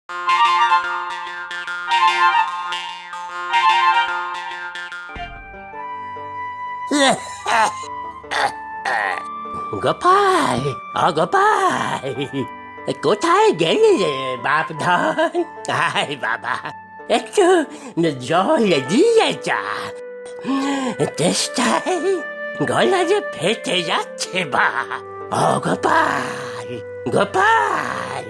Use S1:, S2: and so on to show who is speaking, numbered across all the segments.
S1: গোপাল, গোপাল, কোথায় গেলি রে বাপধন? আয় বাবা, একটু জল দিয়ে যা। চেষ্টায় গলা যে ফেটে যাচ্ছে বা। ও গোপাল, গোপাল।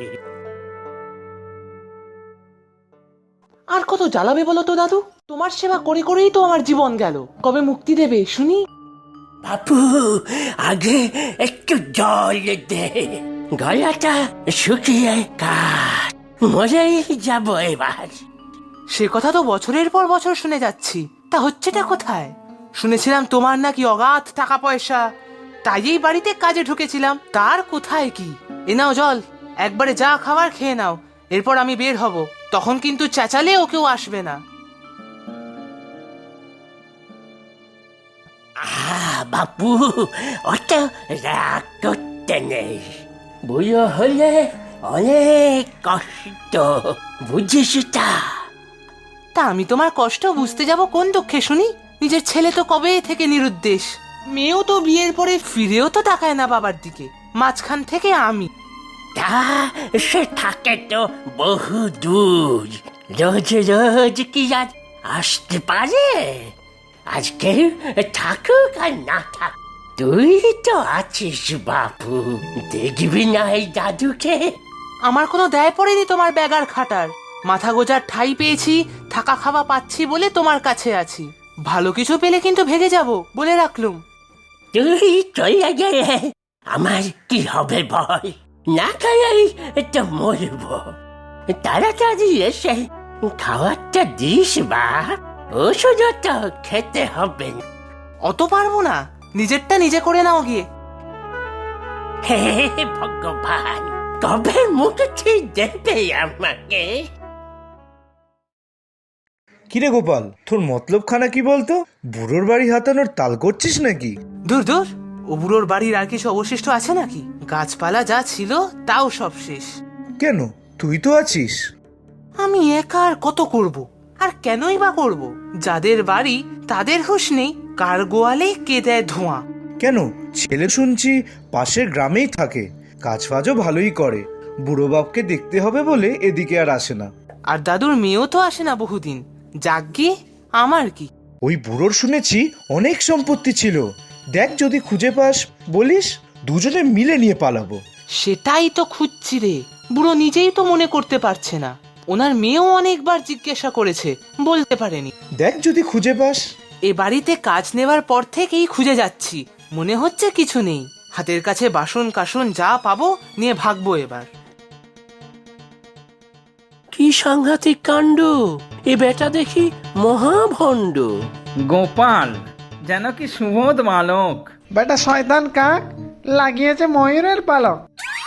S2: আর কত জ্বালাবে বলো তো দাদু? তোমার সেবা করে করেই তো আমার জীবন গেল। কবে মুক্তি দেবে শুনি?
S1: বাপু, আগে একটু জল দে, গলাটা শুকিয়ে কাঠ, মরেই যাবো এবার।
S2: সে কথা তো বছরের পর বছর শুনে যাচ্ছি, তা হচ্ছেটা কোথায়? শুনেছিলাম তোমার নাকি অগাধ টাকা পয়সা, তাই এই বাড়িতে কাজে ঢুকেছিলাম। তার কোথায় কি? এ নাও জল, একবারে যা খাবার খেয়ে নাও, এরপর আমি বের হব। তখন কিন্তু চেঁচালেও কেউ আসবে না।
S1: বাপু, অত রাগ করতে নেই। বুড়ো হলে অনেক কষ্ট, বুঝিস তা?
S2: তা আমি তোমার কষ্ট বুঝতে যাব কোন দুঃখে শুনি? নিজের ছেলে তো কবে থেকে নিরুদ্দেশ, মেয়েও তো বিয়ের পরে ফিরেও তো তাকায় না বাবার দিকে, মাঝখান থেকে আমি।
S1: তা সে থাকে তো বহু দূর, রোজ রোজ কি আর আসতে পারে? আজকে থাকুক আর না থাক, তুই তো আছিস বাপু, দেখবি না এই দাদুকে?
S2: আমার কোনো দায় পড়েনি তোমার ব্যাগার খাটার। মাথা গোজার ঠাই পেয়েছি, থাকা খাওয়া পাচ্ছি বলে তোমার কাছে আছি। ভালো কিছু পেলে কিন্তু ভেগে যাব, বলে রাখলুম।
S1: তুই চলে গেলে আমার কি হবে বল? না খাই তো মরব। তাড়াতাড়ি এসে খাবারটা দিস বা, ওষুধও তো খেতে হবে না।
S2: অত পারবো না, নিজেরটা নিজে করে নাও গিয়ে।
S1: হে ভগবান, কবে মুক্তি দেবে আমাকে?
S3: কিরে গোপাল, তোর মতলব খানা কি বলতো? বুড়োর বাড়ি হাতানোর তাল করছিস নাকি?
S2: দূর দূর, ও বুড়োর বাড়ির আর কিছু অবশিষ্ট আছে নাকি? গাছপালা যা ছিল তাও সব শেষ।
S3: কেন, তুই তো আছিস।
S2: আমি একা আর কত করব? আর কেনই বা করব? যাদের বাড়ি তাদের হুঁশ নেই, কার গোয়ালে কে দেয় ধোঁয়া।
S3: কেন, ছেলে শুনছি পাশের গ্রামেই থাকে, কাজ ফাজও ভালোই করে। বুড়ো বাপকে দেখতে হবে বলে এদিকে আর আসে না।
S2: আর দাদুর মেয়েও তো আসে না বহুদিন। যাগ্গে, আমার কি?
S3: ওই বুড়োর শুনেছি অনেক সম্পত্তি ছিল। দেখ যদি খুঁজে পাস বলিস, দুজনে মিলে নিয়ে পালাবো।
S2: সেটাই তো খুঁজছি রে। বুড়ো নিজেই তো মনে করতে পারছে না। ওনার মেয়েও অনেকবার জিজ্ঞাসা করেছে, বলতে পারেনি।
S3: দেখ যদি খুঁজে পাস।
S2: এ বাড়িতে কাজ নেবার পর থেকেই খুঁজে যাচ্ছি, মনে হচ্ছে কিছু নেই। হাতের কাছে বাসন কাসন যা পাবো নিয়ে ভাগবো এবার।
S1: কি সাংঘাতিক কাণ্ড! এ বেটা দেখি মহাভণ্ড।
S4: গোপাল যেন কি সুবোধ বালক।
S5: বেটা শয়তান কাক, লাগিয়েছে ময়ূরের পালক।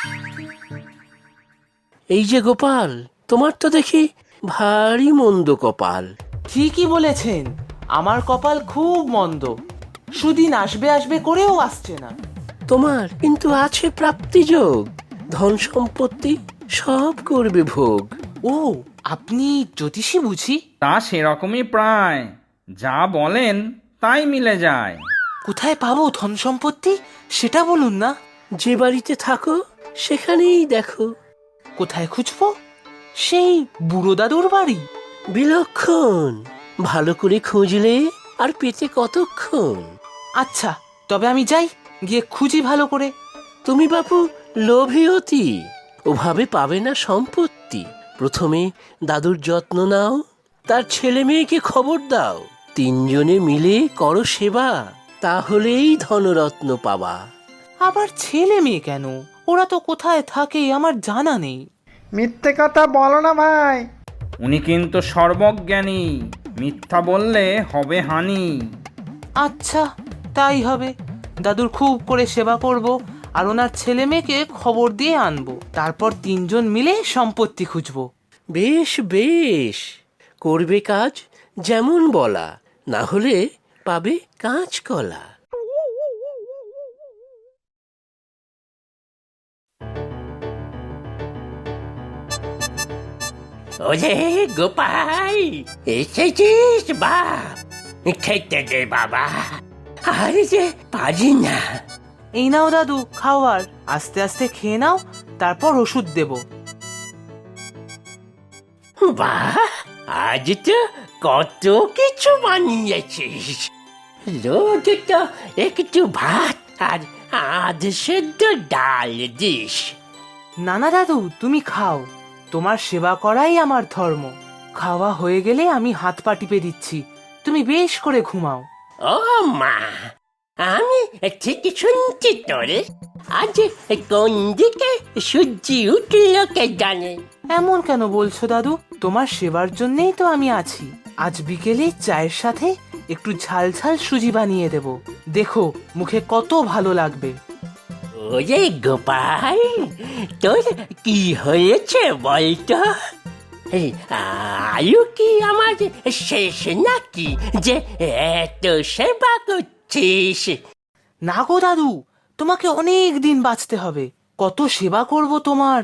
S1: এই যে গোপাল, তোমার তো দেখি ভারী মন্দ কপাল।
S2: ঠিকই বলেছেন, আমার কপাল খুব মন্দ। সুদিন আসবে আসবে করেও আসছে না।
S1: তোমার কিন্তু আছে প্রাপ্তিযোগ, ধন সম্পত্তি সব করবে ভোগ।
S2: ও, আপনি জ্যোতিষী বুঝি?
S4: তা সেরকমই প্রায়, যা বলেন তাই মিলে যায়।
S2: কোথায় পাবো ধন সম্পত্তি সেটা বলুন না।
S1: যে বাড়িতে থাকো সেখানেই দেখো।
S2: কোথায় খুঁজবো? সেই বুড়ো দাদুর বাড়ি?
S1: বিলক্ষণ, ভালো করে খুঁজলে আর পেতে কতক্ষণ।
S2: আচ্ছা, তবে আমি যাই, গিয়ে খুঁজি ভালো করে।
S1: তুমি বাপু লোভী অতি, ওভাবে পাবে না সম্পত্তি। প্রথমে দাদুর যত্ন নাও, তার ছেলে মেয়েকে খবর দাও, তিনজনে মিলে করো সেবা, তাহলেই ধনরত্ন পাবা।
S2: আবার ছেলে মেয়ে কেন? ওরা তো কোথায় থাকে আমার জানা নেই।
S5: মিথ্যে কথা বলো না ভাই।
S4: উনি কিন্তু সর্বজ্ঞানী, মিথ্যা বললে হবে হানি।
S2: আচ্ছা, তাই হবে। দাদুর খুব করে সেবা করব, আর ওনার ছেলে মেয়েকে খবর দিয়ে আনবো। তারপর তিনজন মিলে সম্পত্তি খুঁজবো।
S1: বেশ বেশ, করবে কাজ যেমন বলা, না হলে পাবে কাঁচকলা। ওরে গোপাল, এসেছিস বাপ? খেতে দে বাবা, আর যে পারি না।
S2: এই নাও দাদু খাওয়ার, আস্তে আস্তে খেয়ে নাও, তারপর ওষুধ দেব।
S1: বাহ, আজ তো কত কিছু বানিয়েছিস। রোজ তো একটু ভাত আর আধ সেদ্ধ ডাল দিস।
S2: না না দাদু, তুমি খাও, তোমার সেবা করাই আমার ধর্ম। খাওয়া হয়ে গেলে আমি হাত পা টিপে দিচ্ছি, তুমি বেশ করে ঘুমাও।
S1: ও মা, আমি ঠিক শুনছি তোরে। আজ কোন দিকে সূর্য উঠল কে জানে।
S2: এমন কেন বলছো দাদু? তোমার সেবার জন্যই তো আমি আছি। আজ বিকেলে চায়ের সাথে একটু ঝাল ঝাল সুজি বানিয়ে দেব, দেখো মুখে কত ভালো লাগবে।
S1: ওরে গোপাল, তোর কি হয়েছে বলতো? এই আয়ু কি আমার শেষ নাকি যে এত সেবা করছিস?
S2: না গো দাদু, তোমাকে অনেক দিন বাঁচতে হবে, কত সেবা করব তোমার।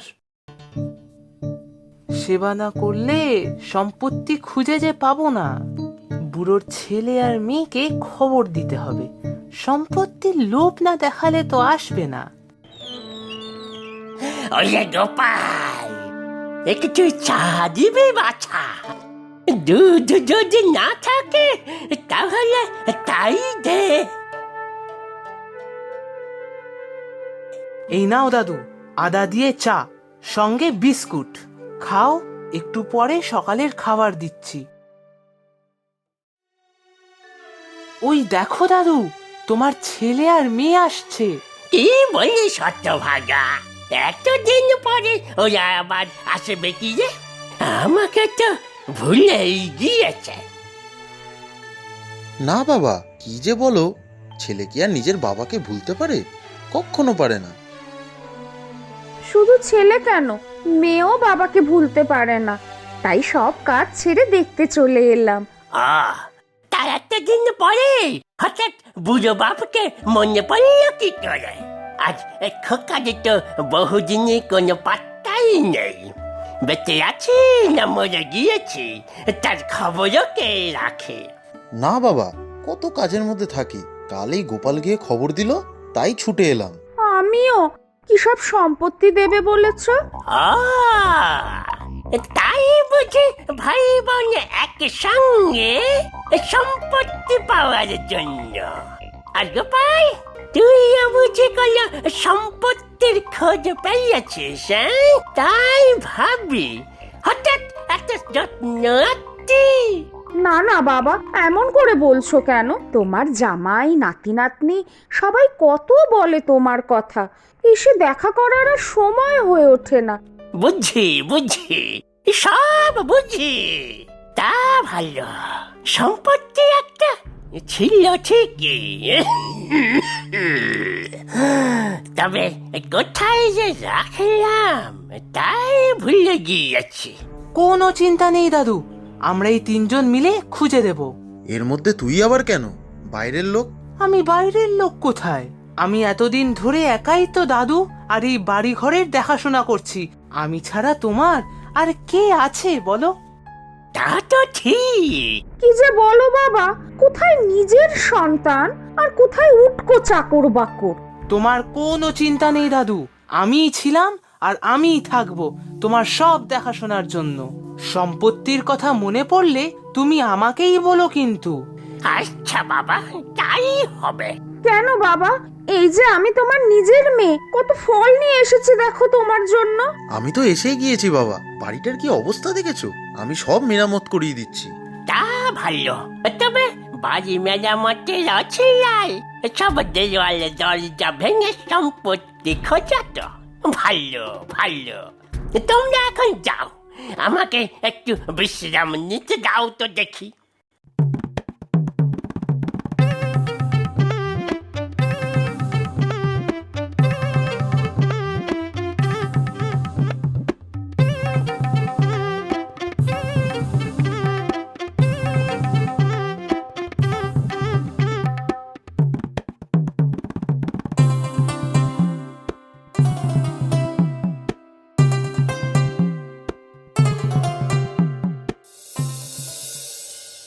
S2: সেবা না করলে সম্পত্তি খুঁজে যে পাবো না। বুড়োর ছেলে আর মেয়েকে খবর দিতে হবে, সম্পত্তির লোভ না দেখালে তো আসবে না।
S1: ওরে গোপাল, একটু চা দিবি বাছা? দুধ যদি না থাকে তাহলে তাই দে।
S2: এই নাও দাদু, আদা দিয়ে চা, সঙ্গে বিস্কুট খাও, একটু পরে সকালের খাবার দিচ্ছি। ওই দেখো দাদু, তোমার ছেলে আর মেয়ে আসছে।
S1: কি বলিস হতভাগা, এতদিন পরে ওরা আবার আসবে কি রে? আমাকে তো ভুলেই গিয়েছে।
S6: না বাবা, কি যে বলো, ছেলে কি আর নিজের বাবাকে ভুলতে পারে? কখনো পারে না।
S7: শুধু ছেলে কেন, মেয়েও বাবাকে ভুলতে পারে না, তাই সব কাজ ছেড়ে দেখতে চলে এলাম।
S1: তার এতদিন পরে হঠাৎ বুড়ো বাপকে মনে পড়ল কি করে? আজ খোকারে তো বহুদিনই কোনো পাত্তাই নেই। বেঁচে আছি না মরে গিয়েছি তার খবরও কে রাখে?
S6: না বাবা, কত কাজের মধ্যে থাকি, কালই গোপাল গিয়ে খবর দিল, তাই ছুটে এলাম।
S7: আমিও, কি সব সম্পত্তি দেবে বলেছ?
S1: তাই বুঝি ভাই বোন একসঙ্গে সম্পত্তি পাওয়ার জন্য? আর গোপাল, তুইও বুঝি কোনো সম্পত্তির খোঁজ পেয়েছিস? তাই ভাবি হঠাৎ এত যত্ন আত্মি।
S7: না না বাবা, এমন করে বলছো কেন? তোমার জামাই নাতি নাতনি সবাই কত বলে তোমার কথা, এসে দেখা করার আর সময় হয়ে ওঠে না।
S1: বুঝি বুঝি, সব বুঝি। তা ভালো, সম্পত্তি একটা ছিল ঠিকই, তবে কোথায় যে রাখলাম তাই ভুলে গিয়েছি।
S2: কোনো চিন্তা নেই দাদু, আমরা এই তিনজন মিলে খুঁজে দেব।
S6: এর মধ্যে তুই আবার কেন? বাইরের লোক?
S2: আমি বাইরের লোক কোথায়? আমি এতদিন ধরে একাই তো দাদু আর এই বাড়ি ঘরের দেখাশোনা করছি। আমি ছাড়া তোমার আর কে আছে বলো?
S1: তা তো ঠিক।
S7: কি যে বলো বাবা, কোথায় নিজের সন্তান আর কোথায় উটকো চাকর বাকর।
S2: তোমার কোনো চিন্তা নেই দাদু, আমিই ছিলাম আর আমিই থাকবো তোমার সব দেখাশোনার জন্য। সম্পত্তির কথা মনে পড়লে তুমি আমাকেই বলো কিন্তু।
S1: আচ্ছা বাবা, তাই হবে।
S7: কেন বাবা, এই যে আমি তোমার নিজের মেয়ে, কত ফল নিয়ে এসেছি দেখো তোমার জন্য।
S6: আমি তো এসেই গিয়েছি বাবা, বাড়িটার কি অবস্থা দেখেছো? আমি সব মেরামত করিয়ে দিচ্ছি।
S1: তা ভালো, তবে বাড়ি মেরামতের অছিলাই সব দেওয়াল দরজা ভেঙে সম্পত্তি খোঁজা তো ভালো ভালো। তোমরা এখন যাও, আমাকে একটু বিশ্রাম নিতে দাও তো দেখি।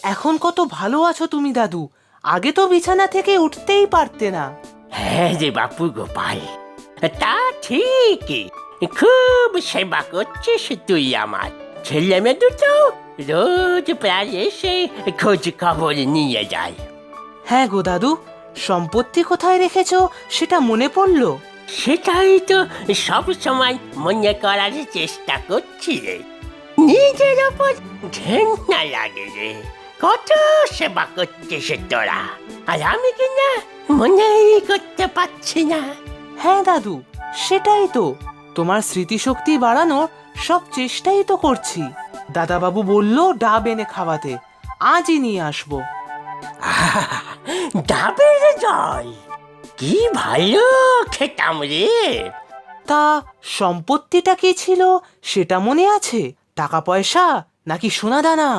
S2: এখন কত ভালো আছো তুমি দাদু, আগে তো বিছানা থেকে উঠতেই পারতে না।
S1: হ্যাঁ রে বাপু গোপাল, তা ঠিকই, খুব সেবা করছিস তুই আমার। ছেলে মেয়ে দুটো রোজ প্রায় এসে খোঁজ খবর নিয়ে যায়।
S2: হ্যাঁ গো দাদু, সম্পত্তি কোথায় রেখেছো সেটা মনে পড়লো।
S1: সেটাই তো সব সময় মনে করার চেষ্টা করছি রে। নিজের ওপর ঘেন্না লাগে রে, কত সেবা করছিস তোরা, আর আমি কিনা মনেই করতে পারছি না।
S2: হ্যাঁ দাদু, সেটাই তো, তোমার স্মৃতিশক্তি বাড়ানোর সব চেষ্টাই তো করছি। দাদাবাবু বলল ডাব এনে খাওয়াতে, আজই নিয়ে আসবো।
S1: ডাবের জল কি ভালো খেতাম রে।
S2: তা সম্পত্তিটা কি ছিল সেটা মনে আছে? টাকা পয়সা নাকি সোনা দানা?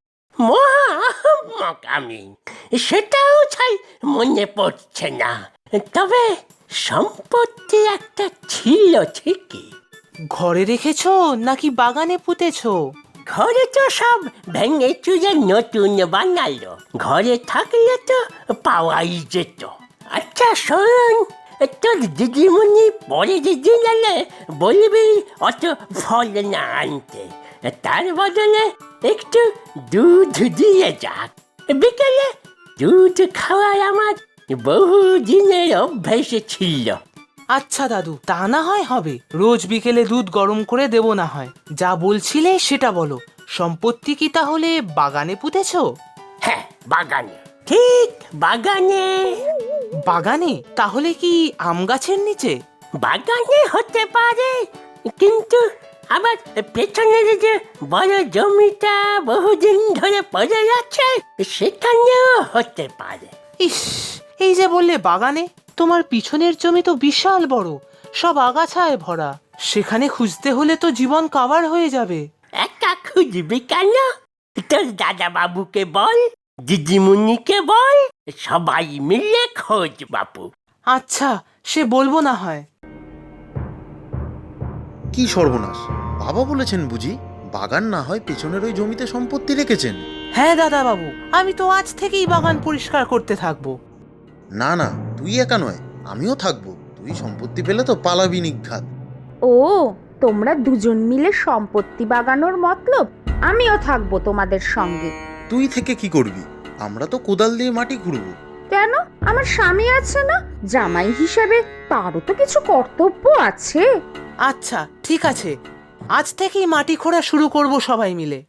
S1: মহামক আমি, সেটাও ছাই মনে পড়ছে না, তবে সম্পত্তি একটা ছিল ঠিকই।
S2: ঘরে রেখেছো নাকি বাগানে পুঁতেছো?
S1: ঘরে তো সব ভেঙে চুরে নতুন বানালো, ঘরে থাকলে তো পাওয়াই যেত। আচ্ছা শোন, তোর দিদিমণি পরে দিদিন এলে বলবি অত ফল না আনতে, তার বদলে একটু দুধ দিয়ে যাক। বিকেলে দুধ খাওয়ার আমার বহু দিনের অভ্যেস ছিল।
S2: আচ্ছা দাদু, তা না হয় হবে, রোজ বিকেলে দুধ গরম করে দেব না হয়। যা বলছিলে সেটা বলো, সম্পত্তি কি তাহলে বাগানে পুঁতেছো?
S1: হ্যাঁ বাগানে, ঠিক বাগানে।
S2: বাগানে তাহলে কি আম গাছের নিচে?
S1: বাগানে হতে পারে, কিন্তু আবার পেছনের যে বড় জমিটা বহুদিন ধরে পড়ে আছে সেখানেও হতে পারে।
S2: ইস, এই যে বললে বাগানে, তোমার পিছনের জমি তো বিশাল বড়, সব আগাছায় ভরা, সেখানে খুঁজতে হলে তো জীবন কাবার হয়ে যাবে।
S1: একা খুঁজবি কেন? তোর দাদা বাবুকে বল, দিদিমণিকে বল, সবাই মিলে খোঁজ বাপু।
S2: আচ্ছা, সে বলবো না হয়।
S6: কি সর্বনাশ, বাবা বলেছেন বুঝি বাগান না হয় পেছনের ওই জমিতে সম্পত্তি রেখেছেন?
S2: হ্যাঁ দাদা বাবু, আমি তো আজ থেকেই বাগান পরিষ্কার করতে থাকবো।
S6: না না, তুই একা নয়, আমিও থাকবো। তুই সম্পত্তি পেলে তো পালাবি নিঘাত।
S7: ও, তোমরা দুজন মিলে সম্পত্তি বাগানোর মতলব? আমিও থাকবো তোমাদের সঙ্গে।
S6: তুই থেকে কি করবি? আমরা তো কোদাল দিয়ে মাটি খুঁড়বো।
S7: কেন? আমার স্বামী আছে না, জামাই হিসেবে তারও তো কিছু কর্তব্য আছে।
S2: আচ্ছা ঠিক আছে, আজ থেকেই মাটি খোঁড়া শুরু করব সবাই মিলে।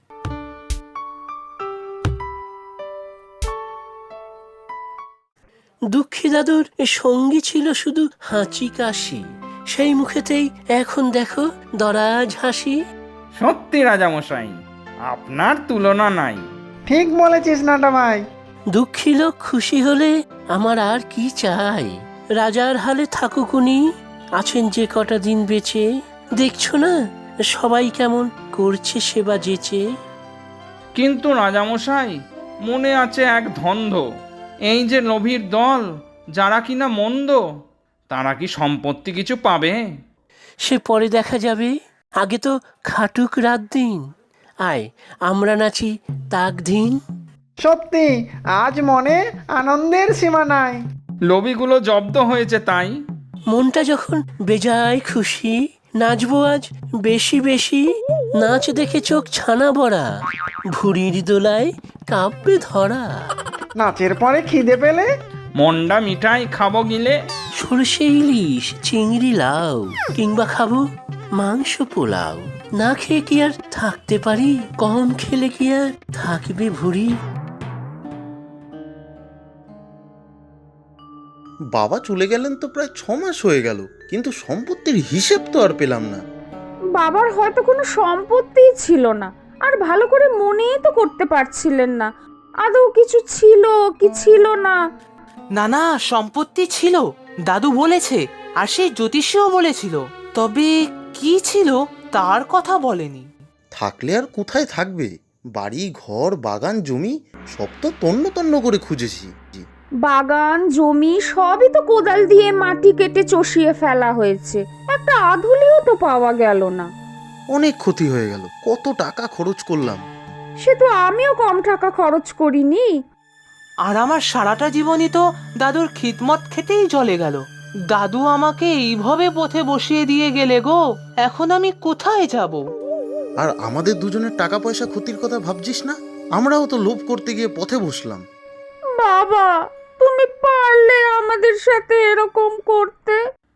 S1: দুঃখী দাদুর সঙ্গী ছিল শুধু হাঁচি কাশি, সেই মুখেতেই এখন দেখো দরাজ হাসি।
S4: সত্যি রাজামশাই, আপনার তুলনা নাই।
S5: ঠিক বলেছিস নাটা ভাই।
S1: দুঃখী লোক খুশি হলে আমার আর কি চাই? রাজার হালে থাকুকুনি, আছেন যে কটা দিন বেঁচে। দেখছো না সবাই কেমন করছে সেবা যেচে।
S4: কিন্তু রাজামশাই, মনে আছে এক ধন্ধ, এই যে লোভীর দল, যারা কিনা মন্দ, তারা কি সম্পত্তি কিছু পাবে?
S1: সে পরে দেখা যাবে, আগে তো খাটুক রাত দিন। আয় আমরা নাচি তাক দিন।
S5: সত্যি আজ মনে আনন্দের সীমা নাই।
S4: লোভীগুলো জব্দ হয়েছে তাই।
S1: মনটা যখন বেজায় খুশি, নাচবো আজ বেশি বেশি। নাচ দেখে চোখ ছানা বড়া, ভুড়ির দোলায় কাঁপবে ধরা।
S5: নাচের পরে খিদে পেলে
S4: মন্ডা মিঠাই খাবো গিলে।
S1: সরষে ইলিশ, চিংড়ি লাউ, কিংবা খাবো মাংস পোলাও। না খেয়ে কি আর থাকতে পারি? কম খেলে কি আর থাকবে ভুড়ি?
S6: বাবা চলে গেলেন তো প্রায় 6 মাস হয়ে গেল, কিন্তু সম্পত্তির হিসেব তো আর পেলাম না।
S7: বাবার হয়তো কোনো সম্পত্তিই ছিল না, আর ভালো করে মনেই তো করতে পারছিলেন না আদৌ কিছু ছিল কি ছিল না।
S2: না না, সম্পত্তি ছিল, দাদু বলেছে, আর সেই জ্যোতিষীও বলেছিল, তবে কি ছিল তার কথা বলেনি।
S6: থাকলে আর কোথায় থাকবে? বাড়ি ঘর বাগান জমি সব তো তন্ন তন্ন করে খুঁজেছি।
S7: বাগান জমি সবই তো কোদাল দিয়ে মাটি কেটে চষিয়ে ফেলা হয়েছে, একটা আধুলিও তো পাওয়া গেল না।
S6: অনেক ক্ষতি হয়ে গেল, কত টাকা খরচ করলাম।
S7: সে তো আমিও কম টাকা খরচ করিনি।
S2: আর আমার সারাটা জীবনই তো দাদুর খিদমত খেতেই চলে গেল। দাদু আমাকে এইভাবে পথে বসিয়ে দিয়ে গেলে গো, এখন আমি কোথায় যাব?
S6: আর আমাদের দুজনের টাকা পয়সা ক্ষতির কথা ভাবছিস না? আমরাও তো লোভ করতে গিয়ে পথে বসলাম।
S7: বাবা, তুমি পারলে আমাদের সাথে এরকম করতে।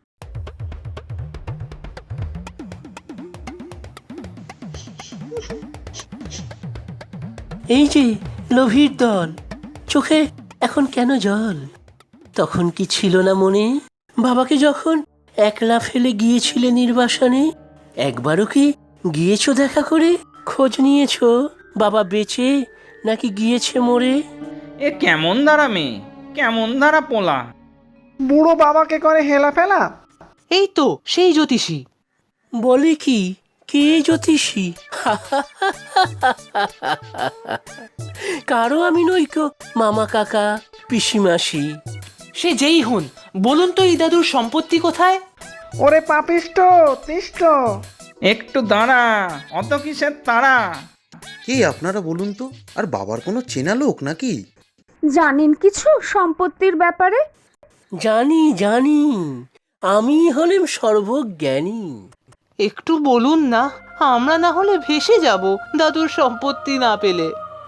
S1: এই যে লোভীর দল, চোখে এখন কেন জল? তখন কি ছিল না মনে, বাবাকে যখন একলা ফেলে গিয়েছিলে নির্বাসনে? একবারও কি গিয়েছো দেখা করে? খোঁজ নিয়েছো বাবা বেঁচে নাকি গিয়েছে মরে?
S4: এ কেমন ধারা মেয়ে, কেমন ধারা পোলা!
S5: বুড়ো বাবাকে করে হেলা ফেলা।
S2: এই তো সেই জ্যোতিষী।
S1: বলে কি, কে জ্যোতিষী? কারো আমি নইকো মামা কাকা পিসিমাসি।
S2: সে যেই হন, বলুন তো এই দাদুর সম্পত্তি কোথায়?
S5: ওরে পাপিষ্ট তিষ্ট।
S4: একটু দাঁড়া, অত কিসের তারা?
S6: কে আপনারা বলুন তো? আর বাবার কোনো চেনা লোক নাকি?
S7: জানেন কিছু সম্পত্তির ব্যাপারে?
S1: জানি জানি, আমি হলেম সর্বজ্ঞানী।
S2: একটু বলুন না, আমরা না হলে ভেসে যাব দাদুর সম্পত্তি না পেলে।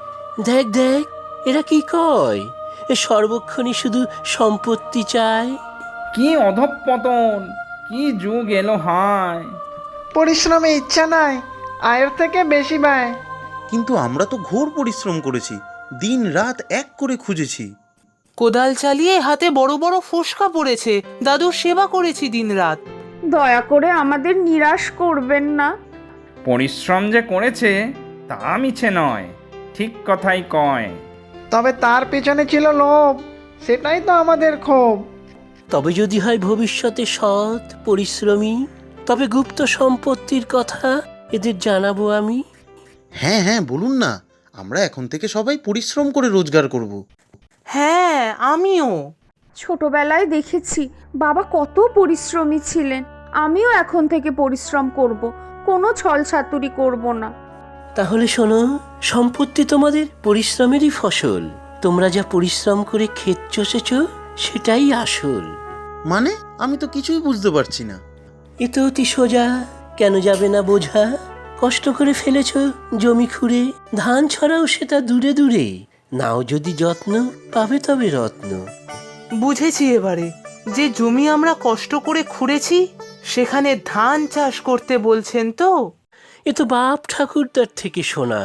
S1: দেখ দেখ, এরা কি কয়, এ সর্বক্ষণই শুধু সম্পত্তি চায়।
S4: কি অধঃপতন, কি যুগ এলো হায়!
S5: পরিশ্রমে ইচ্ছা নাই, আয়ের থেকে বেশি ব্যয়।
S6: কিন্তু আমরা তো ঘোর পরিশ্রম করেছি, দিন রাত এক করে খুঁজেছি।
S2: কোদাল চালিয়ে হাতে বড় বড় ফোসকা পড়েছে, দাদুর সেবা করেছি দিনরাত।
S7: দয়া করে আমাদের নিরাশ করবেন না।
S4: পরিশ্রম যে করেছে তা মিছে নয়, ঠিক কথাই কয়।
S5: তবে তার পেছনে ছিল লোভ, সেটাই তো আমাদের ক্ষোভ।
S1: তবে যদি হয় ভবিষ্যতে সৎ পরিশ্রমী, তবে গুপ্ত সম্পত্তির কথা এদের জানাবো আমি।
S6: হ্যাঁ হ্যাঁ, বলুন না, আমরা এখন থেকে সবাই পরিশ্রম করে রোজগার করব।
S2: হ্যাঁ, আমিও।
S7: ছোটবেলায় দেখেছি বাবা কত পরিশ্রমী ছিলেন। আমিও এখন থেকে পরিশ্রম করব, কোনো ছলছাতুরি করব না।
S1: তাহলে শোনো, সম্পত্তি তোমাদের পরিশ্রমেরই ফসল। তোমরা যা পরিশ্রম করে ক্ষেত চষেছ সেটাই আসল।
S6: মানে আমি তো কিছুই বুঝতে পারছি না।
S1: এ তো অতি সোজা, কেন যাবে না বোঝা? কষ্ট করে ফেলেছ জমি খুঁড়ে, ধান ছড়াও সেটা দূরে দূরে। নাও যদি যত্ন, পাবে তবে রত্ন।
S2: বুঝেছি এবারে, যে জমি আমরা কষ্ট করে খুঁড়েছি সেখানে ধান চাষ করতে বলছেন তো?
S1: এ তো বাপ ঠাকুরদার থেকে শোনা।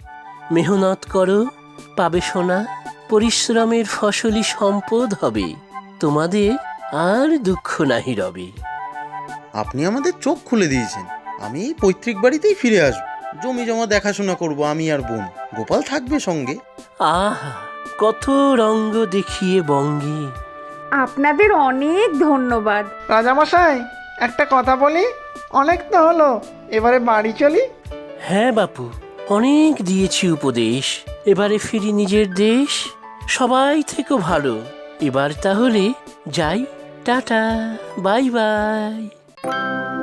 S1: মেহনত করো, পাবে সোনা, পরিশ্রমের ফসলি সম্পদ হবে, তোমাদের আর দুঃখ নাহি রবে।
S6: আপনি আমাদের চোখ খুলে দিয়েছেন। আমি এই পৈতৃক বাড়িতেই ফিরে আসবো, জমি জমা দেখাশোনা করব আমি আর বোন। গোপাল থাকবে সঙ্গে।
S1: আহা, কত রঙ্গ দেখিয়ে বঙ্গে।
S7: আপনাদের অনেক ধন্যবাদ।
S5: রাজামশাই, একটা কথা বলি? অনেক তো হলো, এবারে বাড়ি চলি।
S1: হ্যাঁ বাপু, অনেক দিয়েছি উপদেশ, এবারে ফিরি নিজের দেশ। সবাই থেকো ভালো, এবার তাহলে যাই, টাটা, বাই বাই।